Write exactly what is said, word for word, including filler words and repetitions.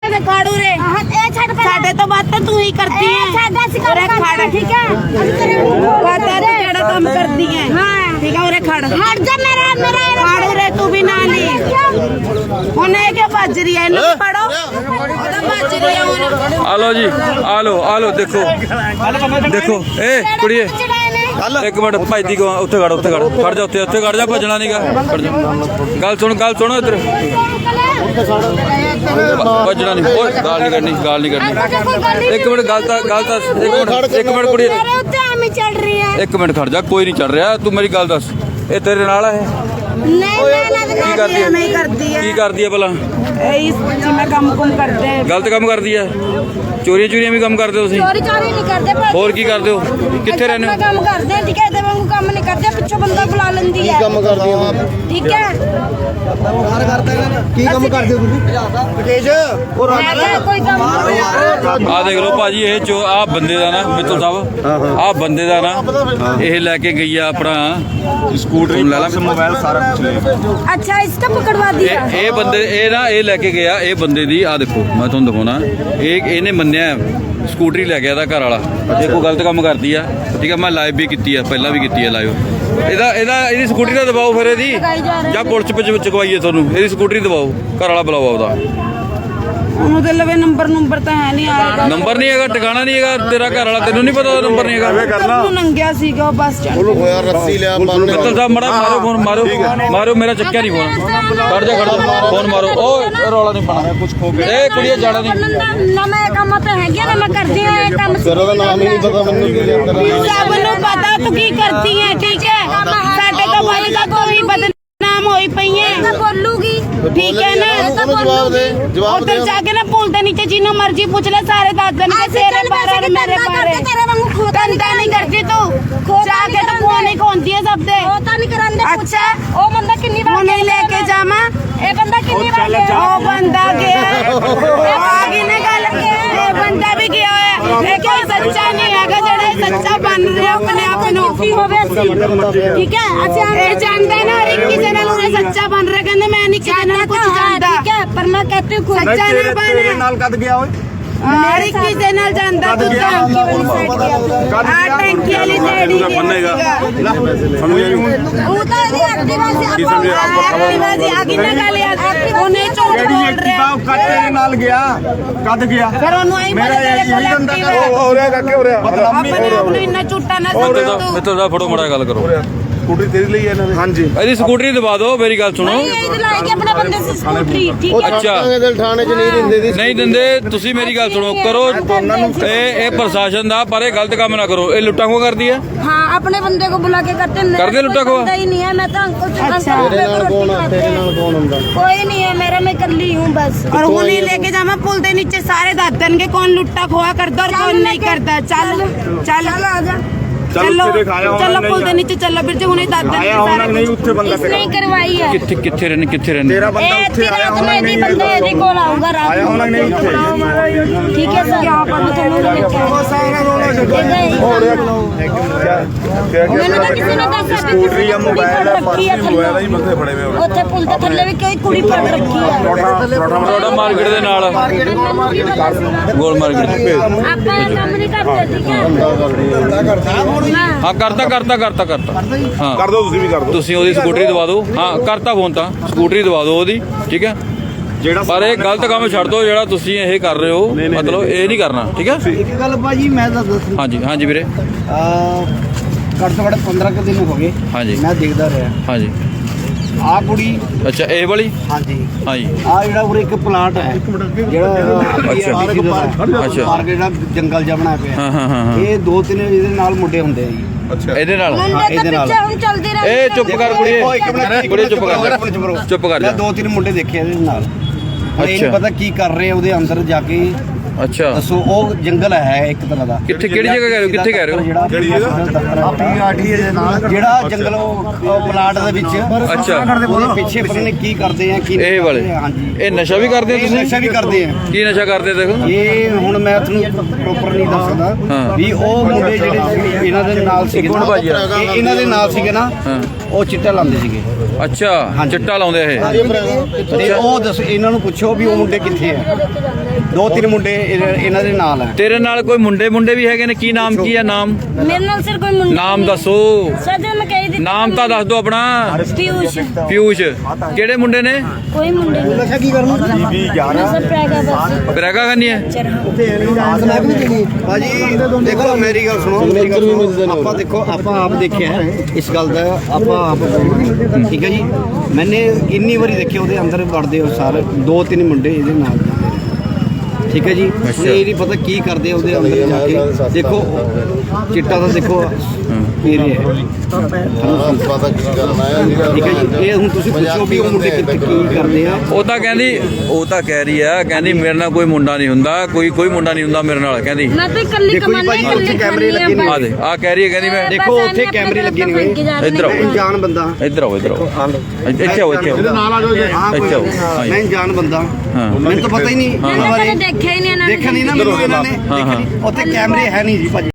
काड़ू रे साडे तो बात तो तू ही करती है अरे खड़ ठीक है पता तो केड़ा काम करती है ठीक है अरे खड़ हट जा मेरा मेरा काड़ू रे तू भी ना ली होने क्या बाज रही है इन्हें पढ़ो ओदा बाज रही है उन्हें आ लो जी आ लो आ लो देखो देखो ए कुड़िए एक मिनट भाई को उत्थे खड़ उत्थे खड़ खड़ जा उत्थे उत्थे खड़ जा भजना नहीं गा खड़ जा गल सुन गल सुनो इधर भजना नहीं ओए गाल नहीं करनी गाल नहीं करनी एक मिनट गल ता गल ता एक मिनट एक मिनट कुड़ी चढ़ रही है एक मिनट खड़ जा कोई नहीं चढ़ रहा तू मेरी गल दस ये तेरे नाल है नहीं की करदी है नहीं करती है की करदी है भला इस में काम कुम करते हैं गलत काम करदी है चोरी चोरी भी काम करते हो तुसीं चोरी चोरी नहीं करते और की करते हो कित्थे रहने हो काम करते हैं ठीक है ते वांगू काम नहीं करते पिछो बंदा बुला लेंदी है ਕੰਮ ਕਰਦੀ ਹਾਂ ठीक है ਕੀ ਕੰਮ ਕਰਦੇ ਹੋ ਤੁਸੀਂ ਤੇਜ ਉਹ मैं क्या कोई काम ਆ ਦੇਖ ਲਓ ਭਾਜੀ ਇਹ ਜੋ ਆ ਬੰਦੇ ਦਾ ਨਾ ਮਿੱਤਲ ਸਾਹਿਬ ਆ ਬੰਦੇ ਦਾ ਨਾ ਇਹ ਲੈ ਕੇ ਗਈ ਆ ਆਪਣਾ ਸਕੂਟਰੀ ਮੋਬਾਈਲ ਸਾਰਾ ਕੁਝ ਲੈ अच्छा इसका पकड़वा दिया ਇਹ ਇਹ ਬੰਦੇ ਇਹ ਨਾ ਇਹ ਲੈ ਕੇ ਗਿਆ ਇਹ ਬੰਦੇ ਦੀ ਆ ਦੇਖੋ ਮੈਂ ਤੁਹਾਨੂੰ ਦਿਖਾਉਣਾ ਇਹ ਇਹਨੇ ਮੰਨਿਆ ਸਕੂਟਰੀ ਲੈ ਗਿਆ ਇਹਦਾ ਘਰ ਵਾਲਾ ਇਹ ਕੋਈ ਗਲਤ ਕੰਮ ਕਰਦੀ ਆ ਠੀਕ ਆ ਮੈਂ ਲਾਈਵ ਵੀ ਕੀਤੀ ਆ ਪਹਿਲਾਂ ਵੀ ਕੀਤੀ ਆ ਲਾਈਵ ਇਹਦਾ ਇਹਦਾ ਇਹਦੀ ਸਕੂਟਰੀ ਦਾ ਦਬਾਓ ਫਿਰ ਇਹਦੀ ਜਾਂ ਪੁਲਿਸ ਵਿੱਚ ਚਕਵਾਈਏ ਤੁਹਾਨੂੰ ਇਹਦੀ ਸਕੂਟਰੀ ਦਬਾਓ ਘਰ ਵਾਲਾ ਬੁਲਾਓ ਉਹਦਾ ਉਹਦੇ ਲਵੇ ਨੰਬਰ ਨੰਬਰ ਤਾਂ ਹੈ ਨਹੀਂ ਆਏਗਾ ਨੰਬਰ ਨਹੀਂ ਹੈਗਾ ਟਿਕਾਣਾ ਨਹੀਂ ਹੈਗਾ ਤੇਰਾ ਘਰ ਵਾਲਾ ਤੈਨੂੰ ਨਹੀਂ ਪਤਾ ਉਹਦਾ ਨੰਬਰ ਨਹੀਂ ਹੈਗਾ ਤੂੰ ਨੰਗਿਆ ਸੀਗਾ ਬੱਸ ਸਟੈਂਡ ਉਹਨੂੰ ਹੋਇਆ ਰੱਸੀ ਲਿਆ ਮਿੱਤਲ ਸਾਹਿਬ ਮੜਾ ਮਾਰੋ ਫੋਨ ਮਾਰੋ ਮਾਰੋ ਮੇਰਾ ਚੱਕਿਆ ਨਹੀਂ ਫੋਨ ਖੜ ਜਾ ਖੜ ਜਾ ਫੋਨ ਮਾਰੋ ਓਏ ਰੌਲਾ ਨਹੀਂ ਪਾਣਾ ਕੁਝ ਖੋ ਗਿਆ ਇਹ ਕੁੜੀਏ ਜਾਣਾ ਨਹੀਂ ਨਾ ਮੈਂ ਕੰਮ ਤੇ ਹੈਗੀ ਨਾ ਮੈਂ ਕਰਦੀ ਹਾਂ ਇਹ ਕੰਮ ਤੇਰਾ ਤਾਂ ਨਾਮ ਹੀ ਨਹੀਂ ਪਤਾ ਮੈਨੂੰ ਕੀ ਲਿਆ ਸਭ ਨੂੰ ਪਤਾ ਤੂੰ ਕੀ ਕਰਦੀ ਹੈ ਠੀਕ ਹੈ ਸਾਡੇ ਤੋਂ ਭਾਈ ਦਾ ਕੋਈ ਬਦਨਾਮ ਹੋਈ ਪਈ ਹੈ ਬੋਲੂਗੀ ठीक है ना जवाब दे जवाब उधर जाके ना पुल के नीचे जिन्हों मर्जी पूछ ले सारे दादन के तेरे बारे और मेरे बारे धंधा नहीं करती तू जाके तो फोन ही खोलती है सब दे अच्छा ओ बंदा कितनी बार नहीं लेके जामा ए बंदा कितनी बार ओ बंदा गया आगे ने गल ए बंदा भी गया है ये क्या सच्चा नहीं है जेड़ा सच्चा बन रहे अपने आप नु ठीक है अच्छा ये जानता है ना हर एक किसी ने उन्हें सच्चा बन रहा कहंदे मैं नहीं किसी ने कुछ जानता ठीक है पर मैं कहती हूं सच्चा ना बन ਤੇਰੇ ਨਾਲ ਕਦ ਗਿਆ ਓਏ हर एक किसी ने जानता तू तो आ टंकी वाली लेडी ਸਾਨੂੰ ਇਹ वो तो ये एक्टिवा से एक्टिवा से आगे ना गाली उन्हें झूठ बोल रहे ਬਾਪ ਕੱਟ ਤੇਰੇ ਨਾਲ ਗਿਆ ਕਦ ਗਿਆ फिर उन्होंने ही ਮੇਰਾ बोले तेरे ਇਹੀ को ਬੰਦਾ एक्टिवा ਹੋ ਰਿਹਾ ਕਾਕੇ ਹੋ ਰਿਹਾ अपने आप इतना झूठा ना ਮਿੱਤਲ समझ ਸਾਹਿਬ तू ਮਿੱਤਲ ਸਾਹਿਬ ਫੜੋ ਮੜਾ ਗੱਲ ਕਰੋ ਸਕੂਟਰੀ ਤੇਰੀ ਲਈ ਇਹਨਾਂ ਨੇ ਹਾਂਜੀ ਇਹਦੀ ਸਕੂਟਰੀ ਦਬਾ ਦਿਓ ਮੇਰੀ ਗੱਲ ਸੁਣੋ नहीं ये लाएंगे अपने बंदे से स्कूटरी ठीक है ਅੱਛਾ ਦਿਲ ਥਾਣੇ 'ਚ ਨਹੀਂ ਦਿੰਦੇ ਦੀ ਨਹੀਂ ਦਿੰਦੇ ਤੁਸੀਂ ਮੇਰੀ ਗੱਲ ਸੁਣੋ ਕਰੋ ਇਹ ਇਹ ਪ੍ਰਸ਼ਾਸਨ ਦਾ ਪਰ ਇਹ ਗਲਤ ਕੰਮ ਨਾ ਕਰੋ ਇਹ ਲੁੱਟਾਂ ਖੋਹ ਕਰਦੀ ਹੈ हाँ अपने बंदे को बुला के करते हैं करते लुटा को? ही नहीं है मैं तो अंकल से अच्छा ਤੇਰੇ ਨਾਲ ਕੌਣ ਆ ਤੇਰੇ ਨਾਲ ਕੌਣ ਹੁੰਦਾ कोई नहीं है मेरा मैं कर ली हूँ बस और वो नहीं लेके जामा पुल के नीचे सारे दादन के कौन लुट्टा खोआ करता और कौन नहीं करता चल चल आजा चलो चलो पुल के नीचे चलो फिर जो उन्हें दादन के सारे ਨਹੀਂ ਉੱਥੇ ਬੰਦਾ इसने ही करवाई है ਕਿੱਥੇ ਕਿੱਥੇ ਰਹਿੰਦੇ ਕਿੱਥੇ ਰਹਿੰਦੇ ਤੇਰਾ ਬੰਦਾ ए, ਉੱਥੇ तेरा ਆਇਆ तो ਹੋਣਾ मैं ਨਹੀਂ नहीं बंदे यदि को लाऊंगा रात ਆਇਆ ਹੋਣਾ ਨਹੀਂ ਉੱਥੇ ठीक है सर यहाँ पर तो लोग ਹੋ ਰਿਹਾ मैंने तो किसी ने दस ਸਕੂਟਰੀ ਜਾਂ ਮੋਬਾਈਲ ਹੈ ਪਰਸ ਵੀ ਮੋਬਾਈਲ ਹੀ ਬੰਦੇ ਫੜੇ ਹੋਏ ਉੱਥੇ ਪੁਲ ਦੇ ਥੱਲੇ ਵੀ ਕੋਈ ਕੁੜੀ ਫੜ ਰੱਖੀ ਹੈ ਰੋਡਾ ਮਾਰਕੀਟ ਦੇ ਨਾਲ ਗੋਲ ਮਾਰਕੀਟ ਆਪਾਂ ਇਹ ਕੰਮ ਨਹੀਂ ਕਰਦੇ ਠੀਕ ਹੈ ਹਾਂ ਕਰਤਾ ਕਰਤਾ ਕਰਤਾ ਕਰਤਾ ਹਾਂ ਕਰ ਦੋ ਤੁਸੀਂ ਵੀ ਕਰ ਦੋ ਤੁਸੀਂ ਉਹਦੀ ਸਕੂਟਰੀ ਦਵਾ ਦਿਓ ਹਾਂ ਕਰਤਾ ਫੋਨ ਤਾਂ ਸਕੂਟਰੀ ਦਵਾ ਦਿਓ ਉਹਦੀ ਠੀਕ ਹੈ ਜਿਹੜਾ ਪਰ ਇਹ ਗਲਤ ਕੰਮ ਛੱਡ ਦਿਓ ਜਿਹੜਾ ਤੁਸੀਂ ਇਹ ਕਰ ਰਹੇ ਹੋ ਮਤਲਬ ਇਹ ਨਹੀਂ ਕਰਨਾ ਠੀਕ ਹੈ ਇੱਕ ਗੱਲ ਭਾਜੀ ਮੈਂ ਤਾਂ ਦੱਸ ਹਾਂਜੀ ਹਾਂਜੀ ਵੀਰੇ ਘੱਟ ਤੋਂ ਘੱਟ ਪੰਦਰਾਂ ਕੁ ਦਿਨ ਹੋ ਗਏ ਹਾਂਜੀ ਮੈਂ ਦੇਖਦਾ ਰਿਹਾ ਹਾਂਜੀ ਆਹ ਕੁੜੀ ਅੱਛਾ ਇਹ ਵਾਲੀ ਹਾਂਜੀ ਹਾਂਜੀ ਆ ਜਿਹੜਾ ਉਰੇ ਇੱਕ ਪਲਾਂਟ ਹੈ ਜਿਹੜਾ ਅੱਛਾ। ਅੱਛਾ। ਪਾਰਕ ਜਿਹੜਾ ਜੰਗਲ ਜਿਹਾ ਬਣਾਇਆ ਪਿਆ ਹਾਂ ਹਾਂ ਹਾਂ ਹਾਂ। ਇਹ ਦੋ ਤਿੰਨ ਇਹਦੇ ਨਾਲ ਮੁੰਡੇ ਹੁੰਦੇ ਆ ਜੀ ਅੱਛਾ ਇਹਦੇ ਨਾਲ ਮੁੰਡੇ ਦੇ ਪਿੱਛੇ ਹੁਣ ਚੱਲਦੀ ਰਹੀ ਇਹ ਚੁੱਪ ਕਰ ਕੁੜੀਏ ਦੇਖੋ, ਇੱਕ ਮਿੰਟ, ਕੁੜੀਏ ਚੁੱਪ ਕਰ ਚੁੱਪ ਕਰੋ। ਚੁੱਪ ਕਰ ਮੈਂ ਜਾ ਦੋ ਤਿੰਨ ਮੁੰਡੇ ਦੇਖੇ ਇਹਦੇ ਨਾਲ ਹੁਣ ਇਹ ਅੱਛਾ। ਨਹੀਂ ਪਤਾ ਕੀ ਕਰ ਰਹੇ ਆ ਉਹਦੇ ਅੰਦਰ ਜਾ ਕੇ ਅੱਛਾ ਦੱਸੋ ਉਹ ਜੰਗਲ ਹੈ ਇੱਕ ਤਰ੍ਹਾਂ ਦਾ ਕਿੱਥੇ ਕਿਹੜੀ ਜਗ੍ਹਾ ਕਹਿ ਰਹੇ ਹੋ ਕਿੱਥੇ ਕਹਿ ਰਹੇ ਹੋ ਕਿਹੜੀ ਜਗ੍ਹਾ? ਪੀਆਰਟੀ ਦੇ ਨਾਲ ਜਿਹੜਾ ਜੰਗਲ ਉਹ ਉਹ ਪਲਾਟ ਦੇ ਵਿੱਚ ਅੱਛਾ। ਉਹਦੇ ਪਿੱਛੇ ਪਤਾ ਨਹੀਂ ਕੀ ਕਰਦੇ ਆ ਕੀ ਨਹੀਂ ਇਹ ਵਾਲੇ ਕਰਦੇ ਆ, ਹਾਂਜੀ ਇਹ ਨਸ਼ਾ ਵੀ ਕਰਦੇ ਹੋ ਇਹ ਤੁਸੀਂ ਨਸ਼ਾ ਵੀ ਕਰਦੇ ਆ ਕੀ ਨਸ਼ਾ ਕਰਦੇ ਦੇਖੋ ਇਹ ਹੁਣ ਮੈਂ ਤੁਹਾਨੂੰ ਪ੍ਰੋਪਰ ਨਹੀਂ ਦੱਸ ਸਕਦਾ ਹਾਂ। ਵੀ ਉਹ ਮੁੰਡੇ ਜਿਹੜੇ ਇਹਨਾਂ ਦੇ ਨਾਲ ਸੀਗੇ ਇੱਕ ਮਿੰਟ ਭਾਜੀ ਆ। ਇਹ ਇਹਨਾਂ ਦੇ ਨਾਲ ਸੀਗੇ ਨਾ ਹਾਂ। ਉਹ ਚਿੱਟਾ ਲਾਉਂਦੇ ਸੀਗੇ ਅੱਛਾ ਚਿੱਟਾ ਲਾਉਂਦੇ ਇਹ ਤੇ ਉਹ ਦੱਸ ਇਹਨਾਂ ਨੂੰ ਪੁੱਛੋ ਵੀ ਉਹ ਮੁੰਡੇ ਕਿੱਥੇ ਆ ਦੋ ਤਿੰਨ ਮੁੰਡੇ ਇਹਨਾਂ ਇਹਨਾਂ ਦੇ ਨਾਲ ਹੈ। ਤੇਰੇ ਨਾਲ ਕੋਈ ਮੁੰਡੇ ਮੁੰਡੇ ਵੀ ਹੈਗੇ ਨੇ? ਕੀ ਨਾਮ ਕੀ ਹੈ? ਨਾਮ ਮੇਰੇ ਨਾਲ ਸਿਰ ਕੋਈ ਮੁੰਡਾ ਨਾਮ ਦੱਸੋ। ਸਰ ਜੀ ਮੈਂ ਕਹਿ ਦਿੱਤਾ ਨਾਮ ਤਾਂ ਦੱਸ ਦਿਓ ਆਪਣਾ। ਪਿਊਸ਼ ਪਿਊਸ਼। ਕਿਹੜੇ ਮੁੰਡੇ ਨੇ? ਕੋਈ ਮੁੰਡੇ ਨਹੀਂ। ਨਸ਼ਾ ਕੀ ਕਰਨਾ? ਵੀ ਗਿਆਰਾਂ ਸਰ ਪ੍ਰੈਗਾ ਬਸ ਬਰੇਗਾ ਕਰਨੀ ਹੈ? ਭਾਜੀ ਦੇਖੋ ਮੇਰੀ ਗੱਲ ਸੁਣੋ, ਮੇਰੀ ਗੱਲ ਸੁਣੋ। ਆਪਾਂ ਦੇਖੋ ਆਪਾਂ ਆਪ ਦੇਖਿਆ ਹੈ ਇਸ ਗੱਲ ਦਾ, ਆਪਾਂ ਆਪ ਠੀਕ ਹੈ ਜੀ। ਮੈਨੇ ਇੰਨੀ ਵਾਰੀ ਦੇਖਿਆ ਉਹਦੇ ਅੰਦਰ ਵੜਦੇ ਹੋ ਸਾਰੇ ਦੋ ਤਿੰਨ ਮੁੰਡੇ ਇਹਦੇ ਨਾਲ ਜਾਂਦੇ ਨੇ। ਠੀਕ ਹੈ ਜੀ। ਹੁਣ ਇਹ ਨਹੀਂ ਪਤਾ ਕੀ ਕਰਦੇ ਆ ਉਹਦੇ ਅੰਦਰ ਜਾ ਕੇ। ਦੇਖੋ ਚਿੱਟਾ ਤਾਂ ਦੇਖੋ ਪੀ ਰਹੇ ਹੈ। ਠੀਕ ਹੈ ਜੀ। ਇਹ ਹੁਣ ਤੁਸੀਂ ਪੁੱਛੋ ਵੀ ਉਹ ਮੁੰਡੇ ਕਿੱਥੇ ਕੀ ਕਰਦੇ ਆ। ਉਹ ਤਾਂ ਕਹਿੰਦੀ ਉਹ ਤਾਂ ਕਹਿ ਰਹੀ ਆ, ਕਹਿੰਦੀ ਮੇਰੇ ਨਾਲ ਕੋਈ ਮੁੰਡਾ ਨਹੀਂ ਹੁੰਦਾ, ਕੋਈ ਕੋਈ ਮੁੰਡਾ ਨਹੀਂ ਹੁੰਦਾ ਮੇਰੇ ਨਾਲ, ਕਹਿੰਦੀ। ਮੈਂ ਤਾਂ ਇਕੱਲੀ ਦੇਖੋ ਜੀ ਕਮਾਨੀ ਭਾਈ, ਇਕੱਲੀ ਉੱਥੇ ਕੈਮਰੇ ਲੱਗੇ ਨੇ। ਆ ਦੇ ਆ ਕਹਿ ਰਹੀ ਹੈ, ਕਹਿੰਦੀ ਮੈਂ ਦੇਖੋ ਉੱਥੇ ਕੈਮਰੇ ਲੱਗੇ ਨੇ ਹੋਏ। ਇੱਧਰ ਆਓ। ਮੈਂ ਅਣਜਾਣ ਬੰਦਾ। ਇੱਧਰ ਆਓ ਇੱਧਰ ਆਓ ਇੱਥੇ ਆਓ ਇੱਥੇ ਆਓ ਨਾਲ ਆ ਜਾਓ। ਹਾਂ ਕੋਈ ਇੱਥੇ ਆਓ। ਗੱਲ ਨਹੀਂ। ਮੈਂ ਅਣਜਾਣ ਬੰਦਾ, ਹਾਂ। ਮੈਨੂੰ ਤਾਂ ਪਤਾ ਹੀ ਨਹੀਂ ਇਹਨਾਂ ਮੈਂ ਬਾਰੇ। ਕਦੇ ਦੇਖਿਆ ਹੀ ਨਹੀਂ ਇਹਨਾਂ ਦੇਖਿਆ ਨਹੀਂ ਨਾ ਮੈਨੂੰ ਇਹਨਾਂ ਨੇ। ਹਾਂ, ਹਾਂ। ਉੱਥੇ ਕੈਮਰੇ ਹੈ ਨਹੀਂ ਜੀ ਭਾਜੀ।